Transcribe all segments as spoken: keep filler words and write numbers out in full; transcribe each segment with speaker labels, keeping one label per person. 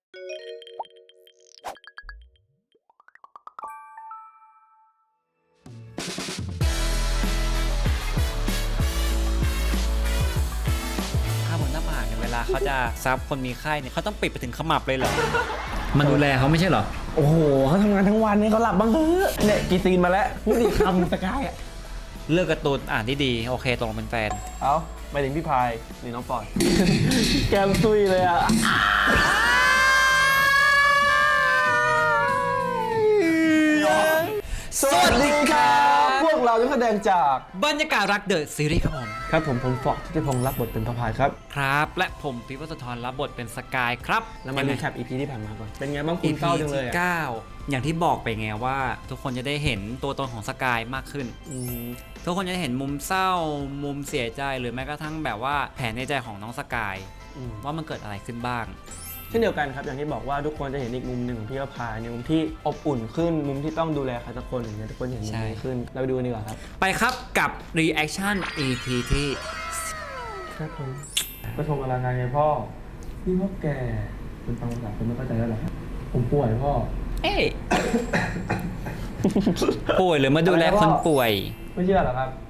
Speaker 1: ถ้าบนหน้าผากเนี่ยเวลาเขาจะซับคนมีไข้เนี่ยเขาต้องปิดไปถึงขมับเลยเหรอมันดูแลเขาไม่ใช่เหรอ
Speaker 2: โอ้โหเขาทำงานทั้งวันเนี่ยเขาหลับบ้างเฮ้ยเนี่ยกี่ซีนมาแล้วพูดอีกคำสกายอ่ะ
Speaker 1: เลือกการ์ตูนอ่านที่ดีโอเคตกลงเป็นแฟน
Speaker 2: เอาไปถึงพี่พายหรือน้องปอย แก้มตุยเลยอ่ะสวัสดีครับพวกเราจะแสดงจาก
Speaker 1: บรรยากาศรักเดอะซีรีส์ครับผม
Speaker 2: ครับผมผมฟอกที่พงษ์รับบทเป็นพระพายครับ
Speaker 1: ครับและผมพิพัฒน์ธรรับบทเป็นสกายครับ
Speaker 2: แล้วมารีแคป อี พี ที่ผ่านมาก่อนเป็นไงบ้างคุณเศร้าจังเลยอ่ะ
Speaker 1: เก้าอย่างที่บอกไปไงว่าทุกคนจะได้เห็นตัวตนของสกายมากขึ้นทุกคนจะได้เห็นมุมเศร้ามุมเสียใจหรือแม้กระทั่งแบบว่าแผนในใจของน้องสกายว่ามันเกิดอะไรขึ้นบ้าง
Speaker 2: เช่นเดียวกันครับอย่างที่บอกว่าทุกคนจะเห็นอีกมุมหนึ่งของพี่พายในมุมที่อบอุ่นขึ้นมุมที่ต้องดูแลใครสักคนอย่างเงี้ยทุกคนเห็นมุมนี้ขึ้นเราไปดูกันดีกว่าครับ
Speaker 1: ไปครับกับ reaction อี พี ที่
Speaker 2: ครับผมก็ชมอลังการไงพ่อพี่พ่อแก่คุณฟังภาษาคุณไม่เข้าใจแล้วหรอผมป่วยพ่อ
Speaker 1: เอ๊ะ ป่วยหรือมาดูแลคนป่วย
Speaker 2: ไม่เชื่อหรอครับ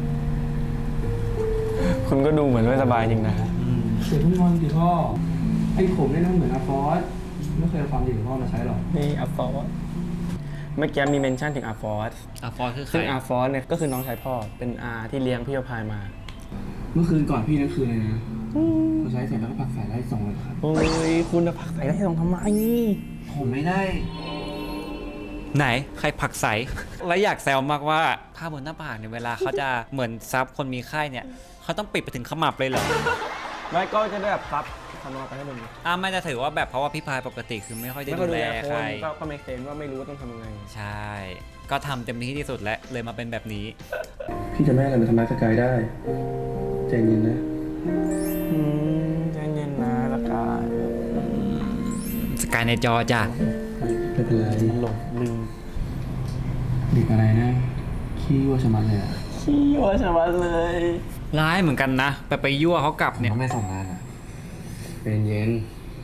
Speaker 2: คุณก็ดูเหมือนไม่สบายจริงนะ
Speaker 3: เดี๋ยวทุกคนสิพ่อไอ้ผมเนี่ยนั่งเหมือนอาฟอสไม่เคยเอาความดีของพ่อมาใช้หรอก
Speaker 2: นี่อาฟอสเมื่อกี้มีเมนชั่นถึงอาฟอส
Speaker 1: อาฟอสคือใคร
Speaker 2: ซึ่งอาฟอสเนี่ยก็คือน้องชายพ่อเป็นอาที่เลี้ยงพี่พายมา
Speaker 3: เมื่อคืนก่อนพี่นั่นคืนเลยนะเขาใช้เสร็จแล้วก็ผักใส่ไล่ส่งเลยครับ
Speaker 2: โอ้ยคุณจะผักใส่ไล่ส่งทำไม
Speaker 3: ผมไม่ได้
Speaker 1: ไหนใครผักใสและอยากแซวมากว่าผ้าบนหน้าผากเนี่ยเวลาเขาจะเหมือนซับคนมีไข้เนี่ยเขาต้องปิดไปถึงขมับเลยเหรอ
Speaker 2: ไม่ก็จะได้แบบซับทำมาไปให้ดู
Speaker 1: อ่าไม่จะถือว่าแบบเพราะว่าพี่พายปกติคือไม่ค่อยได้ดูแลใคร
Speaker 2: ก็ไม่เซนว่าไม่รู้ว่าต้องทำยังไง
Speaker 1: ใช่ก็ทำเต็มที่ที่สุดแล้วเลยมาเป็นแบบนี้
Speaker 3: พี่จะไม่อะไรมาทำร้ายสกายได้ใจเย็นนะ
Speaker 2: อืมใจเย็นนะสกาย
Speaker 1: สกายในจอจ้ะ
Speaker 3: ไม่เป็นไร
Speaker 2: หลงลืม
Speaker 3: เด็กอะไรนะขี้วัวชะมัดเลยอ่ะ
Speaker 2: ขี้วัวชะมัดเลย
Speaker 1: ร้ายเหมือนกันนะไปไปยั่วเขากลับเนี่ย
Speaker 3: ไม่ส่งงานอ่ะเป็นเย็น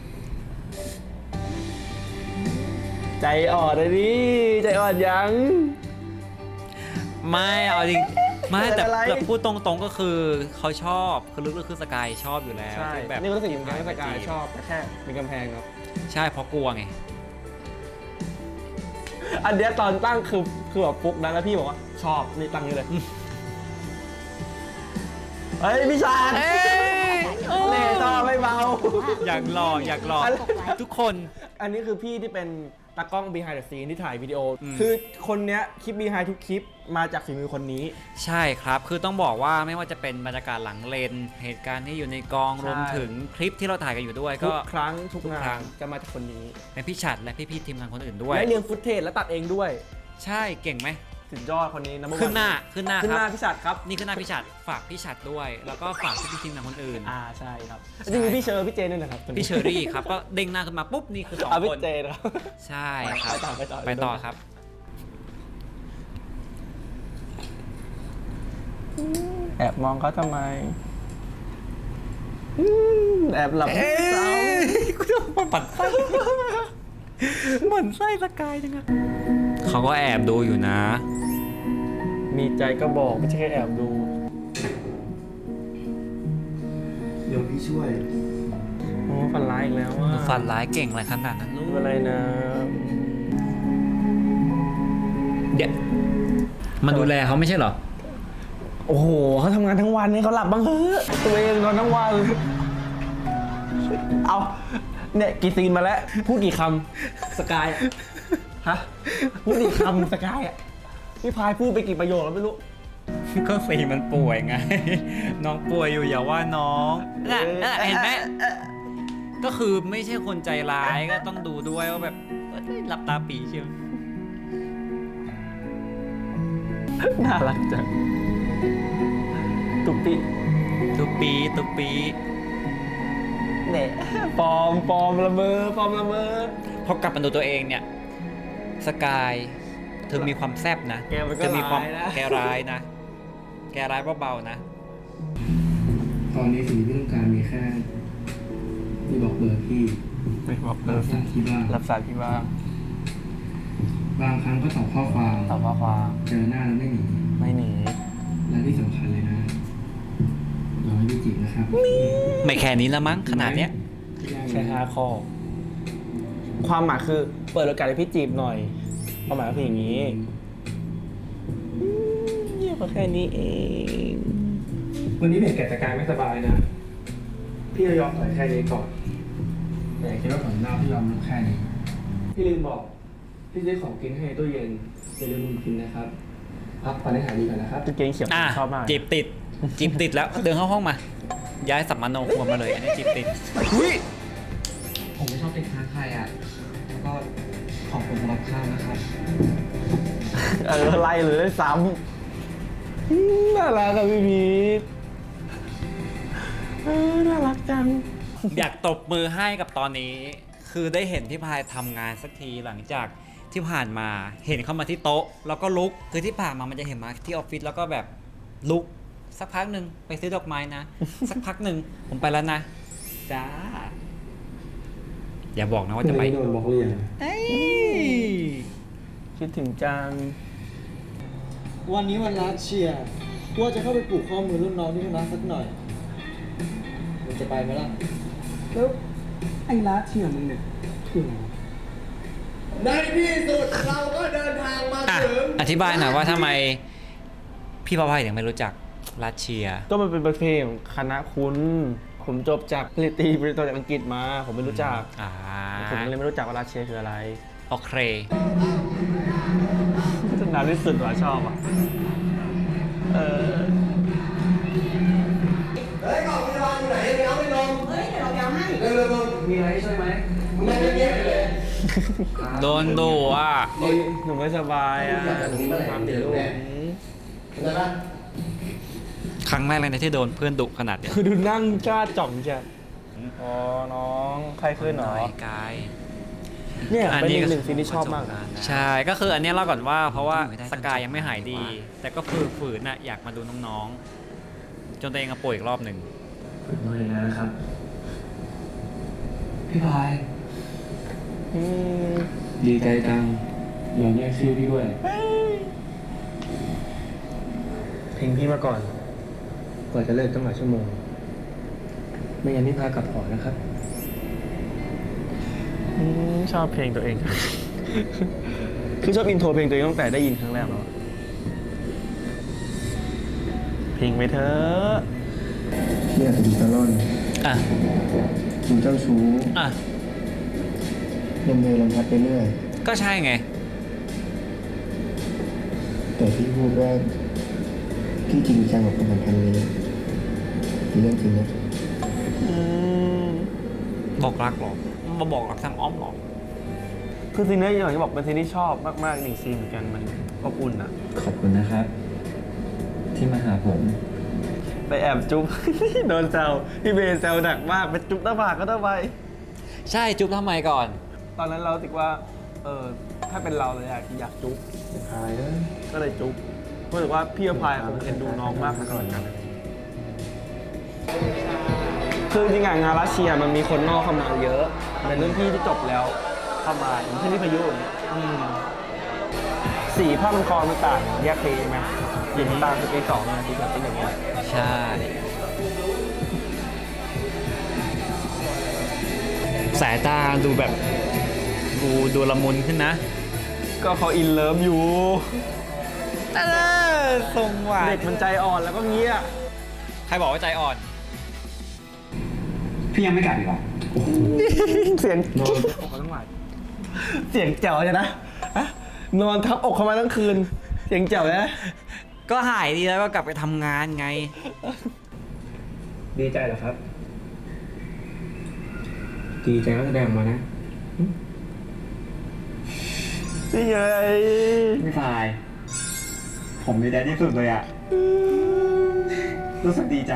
Speaker 2: ใจอ่อนเลยดิใจอ่อนยัง
Speaker 1: ไม่เอาจริงไม่แต่แบบพูดตรงๆก็คือเขาชอบคือลึกๆคือสกายชอบอยู่แล้ว
Speaker 2: ใช่แบบนี่ก็รู้สึกอย่างนั้นสกายชอบแต่แค่เป็นกำแพงครับ
Speaker 1: ใช่เพราะกลัวไง
Speaker 2: อันเนี้ยตอนตั้งคือคือแบบฟุกนะแล้วพี่บอกว่าชอบนี่ตั้งนี้เลยเฮ้ยพี่ชาญเน่ชอบไม่เบา
Speaker 1: อยากหล่ออยากหล่อทุกคน
Speaker 2: อันนี้คือพี่ที่เป็นตากล้อง behind the scene ที่ถ่ายวิดีโอคือคนเนี้ยคลิป behind ทุกคลิปมาจากฝีมือคนนี้
Speaker 1: ใช่ครับคือต้องบอกว่าไม่ว่าจะเป็นบรรยากาศหลังเลนเหตุการณ์ที่อยู่ในกองรวมถึงคลิปที่เราถ่ายกันอยู่ด้วยก็
Speaker 2: ทุกครั้งทุกงานจะมาจากคนนี้
Speaker 1: เป็นพี่ฉัดและพี่ๆทีมงานคนอื่นด้วย
Speaker 2: และเรียนฟุตเทจและตัดเองด้วย
Speaker 1: ใช่เก่งไหม
Speaker 2: สุดยอดคนนี้นะ
Speaker 1: ขึ้นหน้าขึ้นหน้า
Speaker 2: ขึ้นหน้าพี่ฉัดครับ
Speaker 1: นี่ขึ้นหน้าพี่ฉัดฝากพี่ฉัดด้วยแล้วก็ฝากพี่ทีมงานคนอื่น
Speaker 2: อ่าใช่ครับจริงๆพี่เชอร์พี่เจนด้วยนะครับ
Speaker 1: พี่เชอรี่ครับก็เด้งหน้าขึ้นมาปุ๊บนี่คือสองคน
Speaker 2: พี่เจนครับ
Speaker 1: ใช่ครับ
Speaker 2: ไปต่อไปต่อ
Speaker 1: ไปต่อครับ
Speaker 2: แอบมองเขาทำไมแอบหลับเศร้า
Speaker 1: กูจะมาปัดไส้เหมือนไส้สกายจังอะเขาก็แอบดูอยู่นะ
Speaker 2: มีใจก็บอกไม่ใช่แค่แอบดู
Speaker 3: เดี๋ยวพี่ช่วย
Speaker 2: โอ้ฟันร้ายอีกแล้วว่า
Speaker 1: ฟันร้ายเก่งอะไรขนาดนั้น
Speaker 2: รู้อะไรนะ
Speaker 1: เดี๋ยวมันดูแลเขาไม่ใช่เหรอ
Speaker 2: โอ้โหเขาทำงานทั้งวันนี่เขาหลับบ้างเฮ้ยตัวเองนอนทั้งวันเอาเนี่ยกี่ซีนมาแล้วพูดกี่คำสกายฮะพูดกี่คำสกายอ่ะพี่พายพูดไปกี่ประโยคแล้วไม่รู้
Speaker 1: ก็ซีมันป่วยไงน้องป่วยอยู่อย่าว่าน้องน่ะเห็นไหมก็คือไม่ใช่คนใจร้ายก็ต้องดูด้วยว่าแบบหลับตาปีเชียว
Speaker 2: น่ารักจังตุปปี
Speaker 1: ตุปปีตุปปี
Speaker 2: เนี่ยปลอมปลอมละเมอปลอมละเมอ
Speaker 1: พอกลับมาดูตัวเองเนี่ยสกายเธอมีความแซ่บนะเธอมีความแกร้ายนะแกร้ายเบาๆนะ
Speaker 3: ตอนนี้สิ่งที่พี่ต้องการมีแค่พี่บอกเบอร์พี่
Speaker 2: ไม่บอกเอ
Speaker 3: รั
Speaker 2: อบ
Speaker 3: สายที่บ้าน
Speaker 2: รับสายพี่บ้าง
Speaker 3: บางครั้งก็ตอบข้อความ
Speaker 2: ตอบข้อความ
Speaker 3: เจอหน้าแล้วไม่หนี
Speaker 2: ไม่หนี
Speaker 3: และที่สำคัญเลยนะรอให้พี่จีบนะครับ
Speaker 1: ไม่แค่นี้ละมั้งขนาดเนี้ย
Speaker 2: ใช่ห้าข้อ ความหมายคือเปิดโอกาสให้พี่จีบหน่อยความหมายก็คืออย่างนี้อืมเงียบกว่าแค่นี้เอง
Speaker 3: วันนี้เห็นแก่สกายไม่สบายนะ พี่จะยอมถอยแค่นี้ก่อน แต่อย่าคิดว่าผมหน้าพี่ยอมลุกแค่นี้ พี่ลืมบอก พี่ซื้อของกินให้ในตู้เย็นอย่าลืมกินนะครับ พักผ่อนให้หายดีก่อนนะครับ
Speaker 2: กางเกงเขียว
Speaker 1: อ่ะ
Speaker 2: ชอบมาก
Speaker 1: จีบติดจีบติดแล้วเดินเข้าห้องมา ย้ายสัมมโนครัวมาเลย อันนี้จีบติด
Speaker 2: อุ้ย
Speaker 3: ผมไม่ชอบติดค้างใครอ่ะ แล้วก็ขอบคุณสำหรับข้าวนะครับ
Speaker 2: เออไล่เลยด้วยซ้ำอืมน่ารักอะพี่พีทเออน่ารักจัง
Speaker 1: อยากตบมือให้กับตอนนี้ คือได้เห็นพี่พายทำงานสักทีหลังจากที่ผ่านมาเห็นเข้ามาที่โต๊ะ แล้วก็ลุกคือที่ผ่านมามันจะเห็นมาที่ออฟฟิศแล้วก็แบบลุกสักพักหนึ่งไปซื้อดอกไม้นะ สักพักหนึ่งผมไปแล้วนะจ้าอย่าบอกนะว่าจะไป
Speaker 3: โดนบอกเรียน
Speaker 1: เอ้ย
Speaker 2: คิดถึงจัง
Speaker 4: วันนี้วันรัดเชียร์ว่าจะเข้าไปปลูกข้อมือรุ่นน้องที่คณะสักหน่อยมึงจะไปไหมล่ะ
Speaker 3: แล้วไอ้ร้านเที่ยมึงเนี่ยคืออะไร
Speaker 4: ในที่สุดเราก็เดินทางมา
Speaker 1: อ่ะ
Speaker 4: ถึง
Speaker 1: อธิบายหน่อยว่าทำไมพี่พายถึงไม่รู้จักรัสเชีย
Speaker 2: ก็มันเป็นประเพณีของคณะคุณ ผมจบจากปริญญาตรีปริญญาโทจากอังกฤษมา ผมไม่รู้จัก
Speaker 1: อ่า
Speaker 2: ผมเลยไม่รู้จักว่ารัสเซียคืออะไร
Speaker 1: โอเค
Speaker 2: จะนานที่สุดว่ะชอบอ่ะ เออ
Speaker 4: เฮ้ยกล่องพยาบาลอยู่ไหนไปเอาไปลงเฮ้ยเดี๋ยวเราไปเอาให้เร็วๆมึง
Speaker 3: มีอะไรช่วยไหม
Speaker 4: มึงไม่เงียบๆเลย
Speaker 1: โดนดูอ่ะ
Speaker 2: เฮ้ยหนูไม่สบายอ่ะหนูไม่ทำเดี๋ยวลูก
Speaker 4: เข้าใจปะ
Speaker 1: ครั้งแรกเลยนะที่โดนเพื่อนดุขนาดเนี้ย
Speaker 2: คือดูนั่งกล้าจ่องใช่อ๋อ น้องใครขึ้นเหรอ
Speaker 1: น้อยกาย
Speaker 2: เนี่ย
Speaker 1: อัน
Speaker 2: เป็น
Speaker 1: นี้
Speaker 2: อี
Speaker 1: ก็
Speaker 2: กหนึ่งซีนที่ชอบมากนะ
Speaker 1: ใช่ก็คืออันเนี้ยเล่าก่อนว่าเพราะว่าสกายยังไม่หายดี แต่ก็ฝืนฝืนน่ะอยากมาดูน้องๆ จนตัวเองก็ป่วยอีกรอบหนึ่ง
Speaker 3: ฝึกมือเลยนะครับ พี่พาย
Speaker 2: อืม
Speaker 3: ดีใจจังยอมแยกชื่อพี่ด้วย
Speaker 2: เพลงพี่มาก่อน
Speaker 3: กว่าจะเลิกต้องหลายชั่วโมง ไม่งั้นพี่พากลับหอนะครับ
Speaker 2: อืมชอบเพลงตัวเอง คือชอบอินโทรเพลงตัวเองตั้งแต่ได้ยินครั้งแรกแล้วเพลงไปเถอะ
Speaker 3: เนี่ยเป็นซาลอน
Speaker 1: อ่ะ
Speaker 3: กินเจ้าชู้
Speaker 1: อ่ะ
Speaker 3: ลมเพลลมพัดไปเรื่อย
Speaker 1: ก็ใช่ไง
Speaker 3: แต่พี่พูดว่าพี่จริงจังกับความสัมพันธ์นี้เป็นเรื่องจริงนะ
Speaker 2: อืม
Speaker 1: บอกรักหรอมาบอกรักทางอ้อมหรอ
Speaker 2: คือซีนนี้อย่างที่บอกเป็นซีนที่ชอบมากๆหนึ่งซีนเหมือนกันมันอบอุ่นอะ
Speaker 3: ขอบคุณนะครับ ที่มาหาผม
Speaker 2: ไปแอบจุ๊บ โดนแซวพี่เบย์แซวหนักมากไปจุ๊บหน้าผากก็ต้องไป
Speaker 1: ใช่จุ๊บทำไมก่อน
Speaker 2: ตอนนั้นเราติดว่า เออถ้าเป็นเราเลยอยากอยากจุ๊บ
Speaker 3: พายเอ้ย
Speaker 2: ก็เลยจุ๊บรู้สึกว่าพี่อภัยคงเอ็นดูน้องมากเหมือนกันคือจริงๆอะงานรัสเซียมันมีคนนอกเข้ามาเยอะเป็นรุ่นพี่ที่จบแล้วเข้ามาอย่างเช่นพี่พายุอย่างเงี้ยอืมสีผ้ามันคอมันต่างแยกเพลงไหมอย่างตามคือปีสองนะที่แบบเป็นอย่างเงี้ย
Speaker 1: ใช่ สายตาดูแบบดูดูละมุนขึ้นนะ
Speaker 2: ก็เขาอินเลิฟอยู่
Speaker 1: เออทรงหวาน
Speaker 2: เด็กมันใจอ่อนแล้วก็เงี้ย
Speaker 1: ใครบอกว่าใจอ่อน
Speaker 3: พี่ยังไม่กลับอีกเหรอ
Speaker 2: เสียงนอนอกเขาทั้งหลายเสียงแจ๋วเลยนะฮะนอนทับอกเขามาทั้งคืน เสียงแจ๋วเลยนะ
Speaker 1: ก็หายดีแล้วก็กลับไปทำงานไง
Speaker 3: ดีใจเหรอครับ ดีใจก็แสดงออกมานะ
Speaker 2: นี่ไง
Speaker 3: พี่พาย ผมดีใจที่สุดเลยอ่ะ รู้สึกดีจัง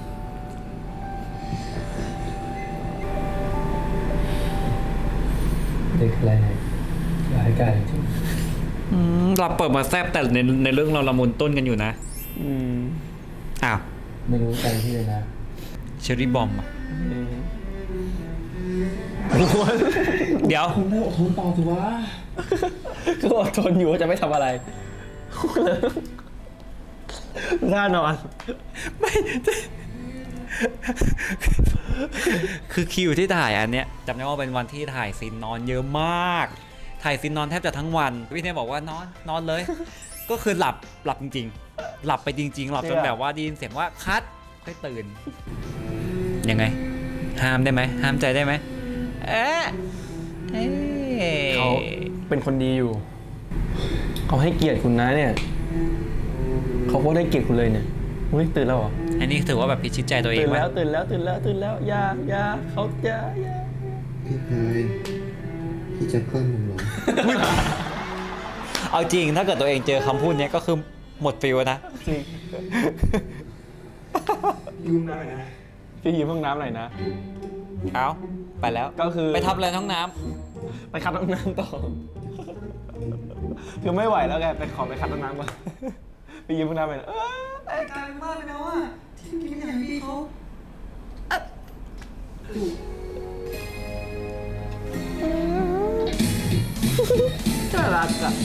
Speaker 3: เด็กอะไรร้ายกาจจริง
Speaker 1: อืมเราเปิดมาแซบแต่ในในเรื่องเราละมุนต้นกันอยู่นะ
Speaker 2: อืม
Speaker 1: อ้าว
Speaker 3: ไม่รู้ใจพี่เลยนะ
Speaker 1: เชอรี่บอมอ่ะ
Speaker 2: อืม
Speaker 1: เดี๋ยว
Speaker 3: คุณได้อดทนต่อสิวะ
Speaker 2: ก็อดทนอยู่ว่าจะไม่ทำอะไรน่านอน
Speaker 1: ไม่คือคิวที่ถ่ายอันเนี้ยจำได้ว่าเป็นวันที่ถ่ายซีนนอนเยอะมาก ถ่ายซีนนอนแทบจะทั้งวันพี่เนยบอกว่านอนนอนเลย ก็คือหลับหลับจริงๆ หลับไปจริงๆ หลับจนแบบว่าได้ยินเสียงว่าคัดค่อยตื่น ยังไง ห้ามได้ไหมห้ามใจได้ไหมเอ๊ะเอ๊ะ
Speaker 2: เขาเป็นคนดีอยู่ เขาให้เกียรติคุณนะเนี่ย เขาก็ได้เกียรติคุณเลยเนี่ยอุ้ยตื่นแล้วเหรอ
Speaker 1: อันนี้ถือว่าแบบพิชิตใจตัวเอง
Speaker 2: ตื่น
Speaker 1: ว่า
Speaker 2: แล้วตื่นแล้วตื่นแล้วตื่นแล้วอยาอยาเขาอยาอยา
Speaker 5: พี่พายพี่จะเพิ่มผมเหรอ
Speaker 1: เอาจริงถ้าเกิดตัวเองเจอคำพูดเนี้ยก็คือหมดฟิลนะ
Speaker 2: จริง
Speaker 3: ยืมหน่อยนะ
Speaker 2: พี่ยืมห้องน้ำหน่อยนะ
Speaker 1: เอาไปแล้ว
Speaker 2: ก็คือ
Speaker 1: ไปทำอะไรท้องน้
Speaker 2: ไปคัดห้องน้ำต่อ คือไม่ไหวแล้วไงไปขอไปคัดห้องน้ำก่อนไปยืมห้องน้ำไปนะเออ
Speaker 4: กลายมากเลยนะว่าที่กินอย่างพี่เขา
Speaker 2: น่ารักอ่ะ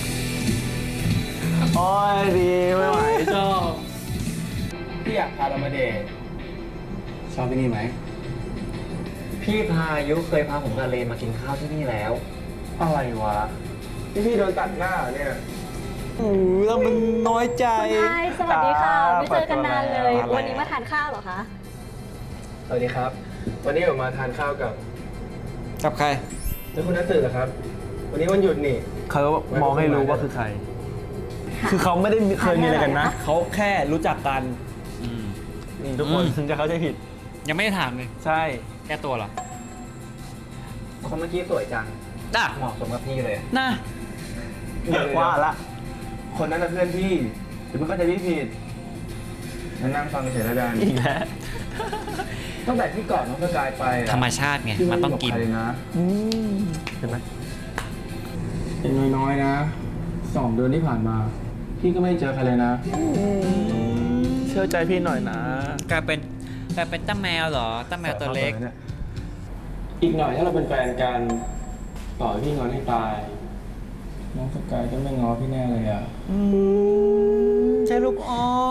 Speaker 2: โอ้ยดีไม่ไหวชอบ
Speaker 3: พี่อยากพาเรามาเดท
Speaker 5: ชอบที่นี่ไหม
Speaker 6: พี่พายุเคยพาผมกับเลนมากินข้าวที่นี่แล้ว
Speaker 2: อะไรวะ
Speaker 3: พี่พี่โดนตัดหน้าเหรอเนี่ย
Speaker 2: โอ้ยแล้วมันน้อยใจ
Speaker 7: ใช่สวัสดีค่ะ ไม่เจอกันนานเลย
Speaker 2: อะไร
Speaker 7: วันนี้มาทานข้าวเหรอคะ
Speaker 3: สวัสดีครับ วันนี้ผมมาทานข้าวกับ
Speaker 1: ำกับใคร
Speaker 3: แล้วคุณนัทตื่นเหรอครับ วันนี้วันหยุดนี่
Speaker 2: เขามองให้รู้ว่าคือใคร คือเขาไม่ได้เคยมีอะไรกันนะ เขาแค่รู้จักกัน
Speaker 1: อืม
Speaker 2: นี่ทุกคน
Speaker 1: อืม
Speaker 2: ถึงจะเข้าใจผิด
Speaker 1: ยังไม่ได้ถามเลย
Speaker 2: ใช่
Speaker 1: แก้ตัวเหรอ
Speaker 6: คนเมื่อกี้สวยจัง
Speaker 1: น่ะ
Speaker 6: เหมาะสมกับพี่เลย
Speaker 1: น่ะ
Speaker 3: เดี๋ยว
Speaker 2: ว่าละ
Speaker 3: คนนั้นน่ะเพื่อนพี่หรือมันก็จะพี่ผิดมานั่งฟังเฉยๆแล้วกัน
Speaker 2: อีกแล้ว
Speaker 3: ตั้งแต่ที่ก่อนน้องสกายไปอะ
Speaker 1: ธรรมชาติไง
Speaker 3: พี่
Speaker 1: มันต้องกิน
Speaker 3: บใครเลยนะ
Speaker 2: อืมเห็นไหม
Speaker 3: เป็นน้อยๆนะสองเดือนที่ผ่านมา พี่ก็ไม่เจอใครเลยนะ
Speaker 2: เชื่อใจพี่หน่อยนะ
Speaker 1: กลายเป็นกลายเป็นตั้มแมวเหรอตั้มแมวตัวเล็ก
Speaker 3: อีกหน่อยถ้าเราเป็นแฟนกันต่อให้พี่งอนให้ตาย น้องสกายก็ไม่ง้อพี่แน่เลยอ่ะ
Speaker 1: อืมใช่ลูกอ้อน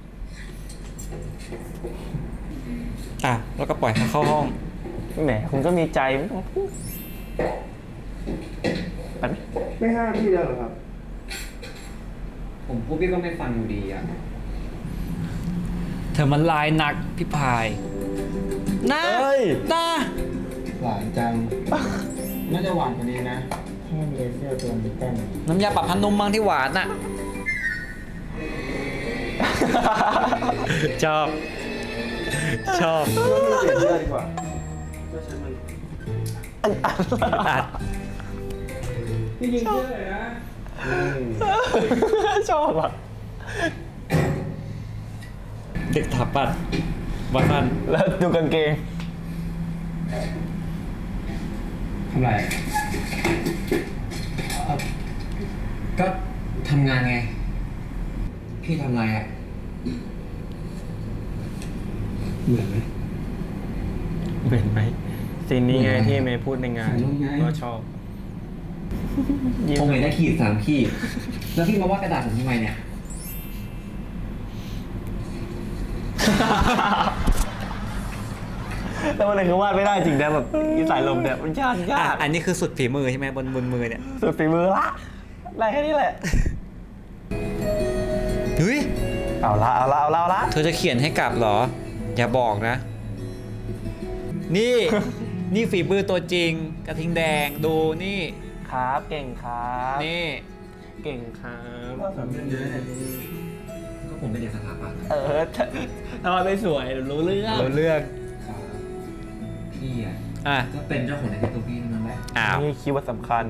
Speaker 1: อ่ะ แล้วก็ปล่อยเขาเข้าห้อง
Speaker 2: แหมคุณก็มีใจไม่ต้องพูดไปไหม
Speaker 3: ไม่ห้ามพี่แล้วเหรอครับ
Speaker 6: ผมพูดพี่ก็ไม่ฟังอยู่ดีอ่ะ
Speaker 1: เธอมันลายหนักพี่พายน่า
Speaker 2: เฮ้ย
Speaker 1: น่า
Speaker 3: หวานจัง น่าจะหวานกว่านี้นะถ้ามันเลยเสื้อตัวนี้กัน
Speaker 1: น้ำยาปรับผ้านุ่มบ้างที่หวานน่ะ ชอบ ชอบ
Speaker 3: เปลี่ยนเสื้อดีกว่าเสื้อฉันมัน
Speaker 1: อัด
Speaker 3: พี่ยิงเสื้อเลยนะ
Speaker 2: ชอบอ่ะ
Speaker 1: เด็กถับปัดวันนั้น
Speaker 2: แล้วดูกางเกง
Speaker 3: ทำไร
Speaker 6: ก็ทำงานไง พี่ทำอะไรอ่ะ
Speaker 3: เหมือนไหม
Speaker 2: เห็นไหมซีนนี้ไงที่เมย์พูดในงาน
Speaker 3: ถ่ายรูปไง
Speaker 2: ก็ชอบยิ้ม
Speaker 6: ผมเห็นได้ขีดสามขีด แล้วพี่มาว่ากระดาษผมทำไมเนี่ย
Speaker 2: แต่วันไหนคือวาดไม่ได้จริงนะแบบอีสายลมเนี่ยมันยากยา
Speaker 1: อ่ะ
Speaker 2: ก
Speaker 1: อันนี้คือสุดฝีมือใช่ไหมบนบนมือเนี่ย
Speaker 2: สุดฝีมือละได้แค่นี้แหละ
Speaker 1: เฮ้ย
Speaker 2: เอาละเอาละเอาละเอาละ
Speaker 1: เธอจะเขียนให้กลับเหรอ อย่าบอกนะ นี่ นี่ฝีมือตัวจริง กระทิงแดงดูนี่
Speaker 2: ครับเก่งครับ
Speaker 1: นี่
Speaker 2: เก่งครับ
Speaker 3: ก็สำเร็จเยอะเนี่ย
Speaker 6: ก็ผมเป็นเด็กสถาปัตย์
Speaker 2: เออถ้าถ้ามันไม่สวยรู้เรื่อง
Speaker 1: เราเลือก
Speaker 6: พี่อ่ะ
Speaker 1: อ่ะ
Speaker 6: ก็เป็นเจ้าของในตัวพี่เท่านั้นแหละ
Speaker 1: อ้าว
Speaker 2: นี่คีย์เวิร์ดสำคัญ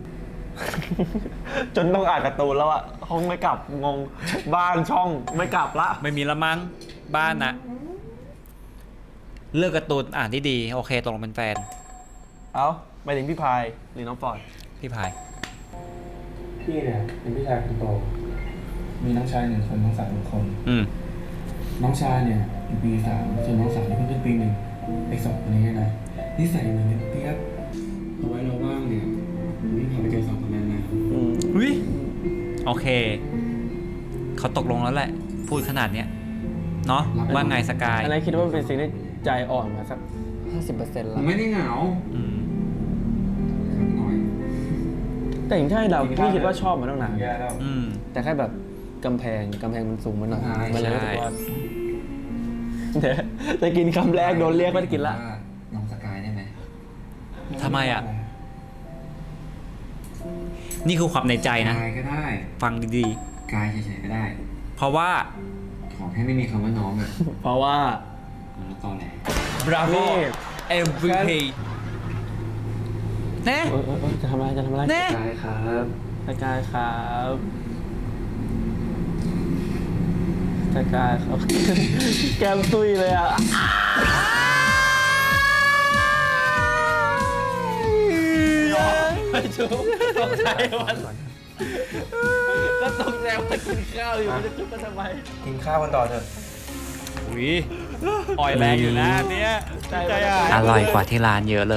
Speaker 2: จนต้องอ่านการ์ตูนแล้วอะห้องไม่กลับงงบ้านช่องไม่กลับละ
Speaker 1: ไม่มีละมั้งบ้านนะเลือกการ์ตูนอ่านที่ดี โอเคตกลงเป็นแฟน
Speaker 2: เอาไปถึงพี่พายหรือน้องฟอร์ด
Speaker 1: พี่พาย
Speaker 3: พี่เนี่ยเป็นพี่ชายคนโต มีน้องชายหนึ่งคนน้องสาวหนึ่งคน
Speaker 1: อืม
Speaker 3: น้องชายเนี่ยอยู่ปีสามส่วนน้องสาวเนี่ยเพิ่งขึ้นปีหนึ่งไอ้สองคนนี้นะนิสัยเหมือนกันเปียกเอาไว้เราว่างเนี่ยพี่พาไปเจอสองคนนั้นนะ
Speaker 2: อืม
Speaker 1: วิโอเค เขาตกลงแล้วแหละ พูดขนาดเนี้ยเนาะว่าไงสกาย
Speaker 2: อันนั้นคิดว่ามันเป็นสิ่งที่ใจอ่อนมาสักห้าสิบเปอร์เซ็นต์
Speaker 3: ผ
Speaker 2: แล้ว
Speaker 3: มไม่ได้เหงา
Speaker 1: อืม
Speaker 3: ครับหน่อย
Speaker 2: แต่อย่างที่เราพี่คิดว่าชอบมาตั้งนาน
Speaker 3: แย่แล้ว
Speaker 1: อืม
Speaker 2: แต่แค่แบบกำแพงกำแพงมันสูงมาหน่อย
Speaker 3: ใช่
Speaker 2: มันเลยรู้สึกว่าเดี๋ยวจะกินคำแรกโดนเรียกไม่ได้กินละ
Speaker 6: ว่าน้องสกายได้ไหม
Speaker 1: ทำไมอ่ะ นี่คือความในใจนะ
Speaker 6: กายก็ได้
Speaker 1: ฟังดี
Speaker 6: กายเฉยๆก็ได้
Speaker 1: ๆ เพราะว่า
Speaker 6: ขอแค่ไม่มีคำว่าน้องอะ
Speaker 2: เพราะว่า
Speaker 6: แล้วตอนไหน
Speaker 1: bravo
Speaker 2: นี่
Speaker 1: เอ็ม วี พี เน่
Speaker 2: เออเออเออจะทำอะไรจะทำอะไร
Speaker 1: เน่
Speaker 3: ได้ครับ
Speaker 2: สกายครับสกายครับ แก้มตุยเลยอ่ะไม่จุ๊บตกใจวันก็ตกใจว่ากินข้าวอยู่จะจุ๊บกันทำไม
Speaker 3: กินข้าวกันต่อเถอะ
Speaker 1: อุ้ยอ่อยแรงอยู่นะเนี้ย
Speaker 2: ใจอ่ะ
Speaker 1: อร่อยกว่าที่ร้านเยอะเลย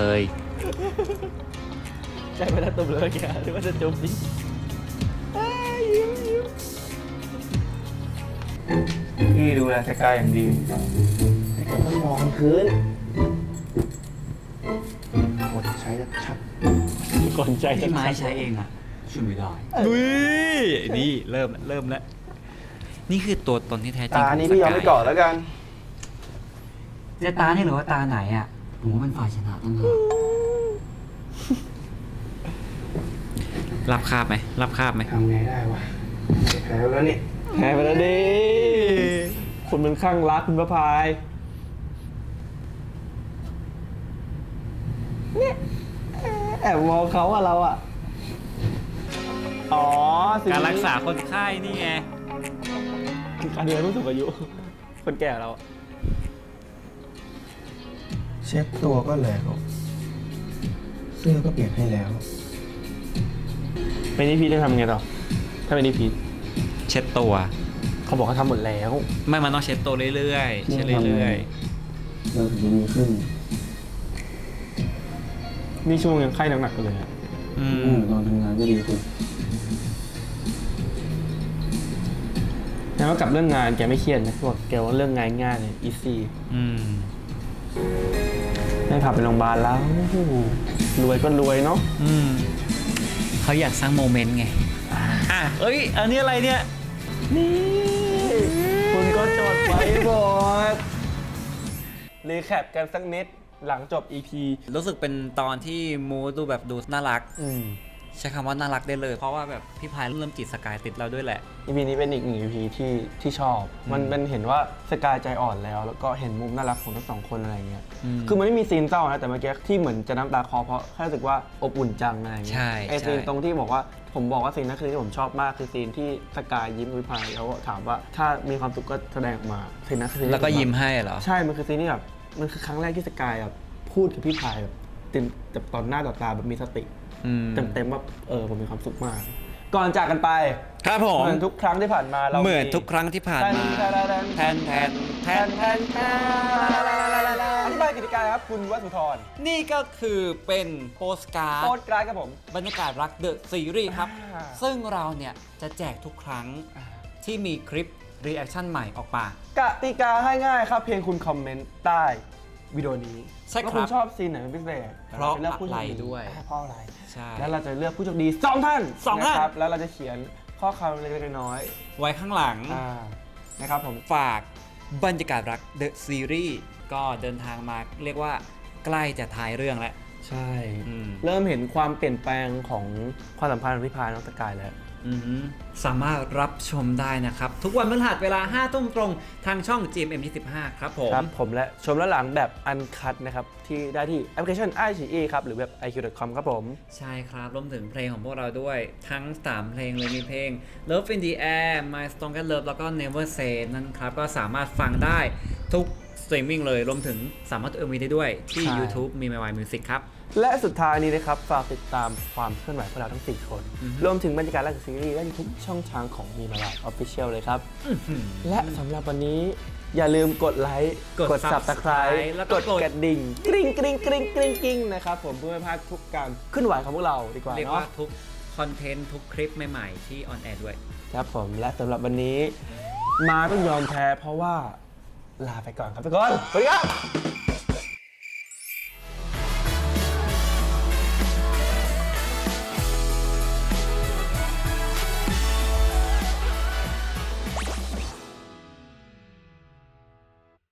Speaker 2: ใจไม่ได้ตุ่มเลยแกหรือว่าจะจุ๊บดิ
Speaker 3: พี่ดูแลสกายอย่างดีต้องมองพื้นกดใช้ชัด
Speaker 2: ก่อนใจ
Speaker 1: พี่ไม้ใช้เองอ่ะ
Speaker 6: ช่วยไม่ได้
Speaker 1: อุ้ยนี่เริ่มแล้วเริ่มแล้ว นี่คือตัวตนที่แท้จริง
Speaker 3: ตา
Speaker 1: ของ
Speaker 3: นี้พี่ยอม
Speaker 1: ส
Speaker 3: ไม่
Speaker 1: กา
Speaker 3: ก่อนแล้วกัน
Speaker 6: จะตาเนี่ยหรือว่าตาไหนอ่ะ ผมว่าเป็นฝ่ายชนะตั้งหาก
Speaker 1: รับคาบไหมรับคาบไหม
Speaker 3: ทำไงได้วะแพ้แล้วเนี่ย
Speaker 2: แพ้ไปแล้วดิคุณเป็นข้างรักคุณประพายเนี่ยแอบมองเขาอะเราอะอ๋อสิ่ง
Speaker 1: การ
Speaker 2: นี้
Speaker 1: รักษาคนไข้นี่ไง
Speaker 2: การดูแลผู้สูงอายุ คนแก่เราอะ
Speaker 3: เช็ดตัวก็แล้วเสื้อก็เปลี่ยนให้แล้ว
Speaker 2: เป็นนิพีจะทำไงต่อถ้าเป็นนิพี
Speaker 1: เช็ดตัว
Speaker 2: เขาบอกเขาทำหมดแล้ว
Speaker 1: ไม่มันต้องเช็ดตัวเรื่อยๆ เช็ดเรื่อย
Speaker 3: เราถึงจะดีขึ้น
Speaker 2: นี่ช่วงยังไข้หนักๆเลยอะ
Speaker 1: ๆ อื
Speaker 3: อื
Speaker 1: ม
Speaker 3: มตอนทำงานก็ดีขึ้น
Speaker 2: แล้วก็กลับเรื่องงานแกไม่เครียดนะบอกแกว่าเรื่องงานง่ายเลย อีซี่
Speaker 1: อืม
Speaker 2: ได้พาไปโรงพยาบาลแล้วโอ้โหรวยก็รวยเนาะ
Speaker 1: อืมเขาอยากสร้างโมเมนต์ไง อ่ะ เอ้ย อันนี้อะไรเนี่ย
Speaker 2: นี่คุณก็จดไว้หมดรีแคปกันสักนิดหลังจบ อี พี
Speaker 1: รู้สึกเป็นตอนที่มูดูแบบดูน่ารัก
Speaker 2: อืม
Speaker 1: ใช้คำว่าน่ารักได้เลย เพราะว่าแบบพี่พายเริ่มจีบสกายติดเราด้วยแหละ
Speaker 2: อี พี นี้เป็นอีกหนึ่ง อี พี ที่ที่ชอบ มันเป็นเห็นว่าสกายใจอ่อนแล้ว แล้วก็เห็นมุมน่ารักของทั้งสองคนอะไรเงี้ย
Speaker 1: อืม
Speaker 2: คือมันไม่มีซีนเศร้านะแต่เมื่อกี้ที่เหมือนจะน้ำตาคลอเพราะแค่รู้สึกว่าอบอุ่นจังอะไรเงี้ย
Speaker 1: ใช่
Speaker 2: ไอซีน
Speaker 1: ใช่
Speaker 2: ตรงที่บอกว่าผมบอกว่าซีนนั้นคือที่ผมชอบมากคือซีนที่สกายยิ้มวิพายแล้วก็ถามว่าถ้ามีความสุขก็แสดงออกมาซีนนั้นคือซีนที่
Speaker 1: แล้วก็
Speaker 2: ผแบบ
Speaker 1: ยิ้มให้เหรอ
Speaker 2: ใช่ มันคือซีนที่แบบ มันคือครั้งแรกที่สกายแบบพูดกับพี่พายแบบเต็มแบบตอนหน้าต่อตาแบบมีสติ
Speaker 1: อืม
Speaker 2: เต็มๆว่าเออผมมีความสุขมาก ก่อนจากกันไป
Speaker 1: ครับผม
Speaker 2: เหมือนทุกครั้งที่ผ่านมาเรา
Speaker 1: เหมือนทุกครั้งที่ผ่านมา
Speaker 2: แทนแทนแทนแทนแทนอธิบายกติกาครับคุณวสุธร
Speaker 1: นี่ก็คือเป็นโปสการ์
Speaker 2: โค
Speaker 1: ด
Speaker 2: ตรกลายครับผม
Speaker 1: บรรยากาศรักเดอะซีรีส์ครับ
Speaker 2: อ่า
Speaker 1: ซึ่งเราเนี่ยจะแจกทุกครั้งที่มีคลิปรีแอคชั่นใหม่ออกมา
Speaker 2: กติกาง่ายๆครับ เพียงคุณคอมเมนต์ใต้วิดีโอนี้
Speaker 1: ใช่ครับ
Speaker 2: ว่าคุณชอบซีนไหนเป็นพิเศษ
Speaker 1: เพราะ
Speaker 2: จลือกผู้โชค
Speaker 1: อะไรด้วย
Speaker 2: เพราะอะไร
Speaker 1: ใช่
Speaker 2: แล้วเราจะเลือกผู้โชคดีสองท่าน
Speaker 1: สองท่าน
Speaker 2: ะครับแล้วเราจะเขียนข้อความเล็กๆน้อย
Speaker 1: ไว้ข้างหลัง
Speaker 2: ๆอ่านะครับผม
Speaker 1: ฝากบรรยากาศรักเดอะซีรีส์ก็เดินทางมาเรียกว่าใกล้จะท้ายเรื่องแล้ว
Speaker 2: ใช่
Speaker 1: อืม
Speaker 2: เริ่มเห็นความเปลี่ยนแปลงของความสัมพันธ์ของพี่พายน้องสกายแล้ว
Speaker 1: อือหือสามารถรับชมได้นะครับ ทุกวันพฤหัสเวลาห้าทุ่มตรงทางช่อง จี เอ็ม เอ็ม ยี่สิบห้า ครับผม
Speaker 2: ครับผมและชมแล้วหลังแบบอันคัดนะครับ ที่ได้ที่แอปพลิเคชัน ไอ ซี อี ครับ หรือเว็บ ไอ คิว ดอท คอม ครับผม
Speaker 1: ใช่ครับรวมถึงเพลงของพวกเราด้วย ทั้งสามเพลงเลยมีเพลง Love in the Air My Strongest Love แล้วก็ Never Say นั่นครับ ก็สามารถฟังได้ทุกสตรีมมิ่งเลย รวมถึงสามารถดู เอ็ม วี ได้ด้วยที่
Speaker 2: ใช่
Speaker 1: YouTube มี My Music ครับ
Speaker 2: และสุดท้ายนี้นะครับ ฝากติดตามความเคลื่อนไหวของเราทั้งสี่คน
Speaker 1: อือฮึ
Speaker 2: รวมถึงบรรยากาศและซีรีส์ได้ทุกช่องทางของมีมาลาออฟฟิเชียลเลยครับ และสำหรับวันนี้อย่าลืมกดไลค์
Speaker 1: กด
Speaker 2: ซับสไคร
Speaker 1: Subscribe
Speaker 2: ต์
Speaker 1: แล้วก็
Speaker 2: กด
Speaker 1: กด
Speaker 2: กระดิ่งกริ๊งกริ๊งกริ๊งกริ๊งกริ๊งนะครับผมเพื่อไม่พลาดทุกการขึ้นไหวของพวกเราดีกว่า
Speaker 1: เรียก
Speaker 2: เนาะ
Speaker 1: ว่าทุกคอนเทนต์ทุกคลิปใหม่ๆที่ออนแอร์ด้วย
Speaker 2: ครับผมและสำหรับวันนี้มาต้องยอมแพ้เพราะว่าลาไปก่อนครับทุกคนสวัสดีครับ